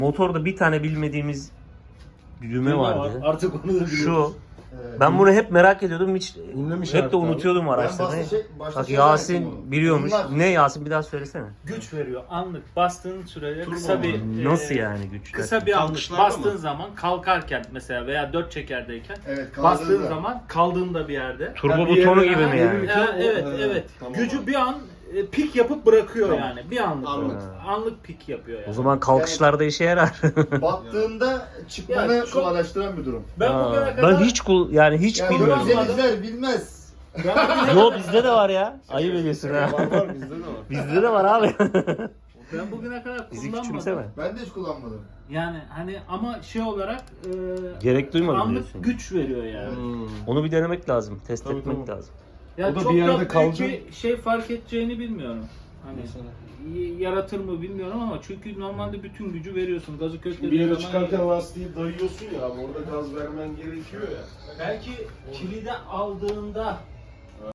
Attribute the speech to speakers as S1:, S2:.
S1: Motorda bir tane bilmediğimiz düğme vardı.
S2: Artık onu da biliyoruz.
S1: Şu. Ben bunu hep merak ediyordum. Hiç
S3: Ünlemiş
S1: hep de
S3: artık abi.
S1: unutuyordum araştırmayı. Bak Yasin biliyormuş. Ne Yasin, bir daha söylesene.
S2: Güç veriyor. Anlık bastığın sürede kısa bir
S1: Nasıl yani güç?
S2: kısa bir anlık
S3: Kalkışlarda
S2: bastığın
S3: mı?
S2: zaman kalkarken mesela veya dört çekerdeyken
S4: Evet,
S2: bastığın
S4: kaldırdı.
S2: zaman kaldığında bir yerde.
S1: Turbo
S3: bir
S1: butonu
S3: yere-
S1: gibi mi yani?
S2: Evet, evet.
S3: Tamam
S2: Gücü
S3: abi.
S2: bir an pik yapıp bırakıyor
S3: Tamam.
S2: yani. Bir anlık.
S3: Anlık.
S2: Anlık pik yapıyor yani.
S1: O zaman kalkışlarda işe yarar.
S4: Battığında çıkmanı
S2: Ya çok-
S4: kolaylaştıran bir durum.
S2: Ben
S1: Ha,
S2: bugüne kadar
S1: ben hiç
S4: Yani
S1: bilmiyorum.
S4: bize izler bilmez.
S1: Yo bizde de var ya. Ayıp ediyorsun ha.
S3: Var bizde de var.
S1: Bizde de var abi.
S2: ben bugüne kadar
S1: Bizi
S2: kullanmadım.
S1: küçümseme.
S4: Ben de hiç kullanmadım.
S2: Yani hani ama şey olarak
S1: Gerek duymadım
S2: anlık
S1: diyorsun.
S2: güç veriyor yani.
S1: Onu bir denemek lazım. Test
S3: Tabii,
S1: etmek
S3: tabii.
S1: lazım.
S2: Ya
S3: O da
S2: çok
S3: bir yerde
S2: da büyük
S3: kalacak.
S2: bir şey fark edeceğini bilmiyorum. Hani
S3: Mesela.
S2: yaratır mı bilmiyorum ama çünkü normalde bütün gücü veriyorsun. Gazı
S3: Bir
S2: köklediğin
S3: yere
S2: zaman
S3: çıkarken lastiği dayıyorsun ya abi, orada gaz vermen gerekiyor ya.
S2: belki kilide aldığında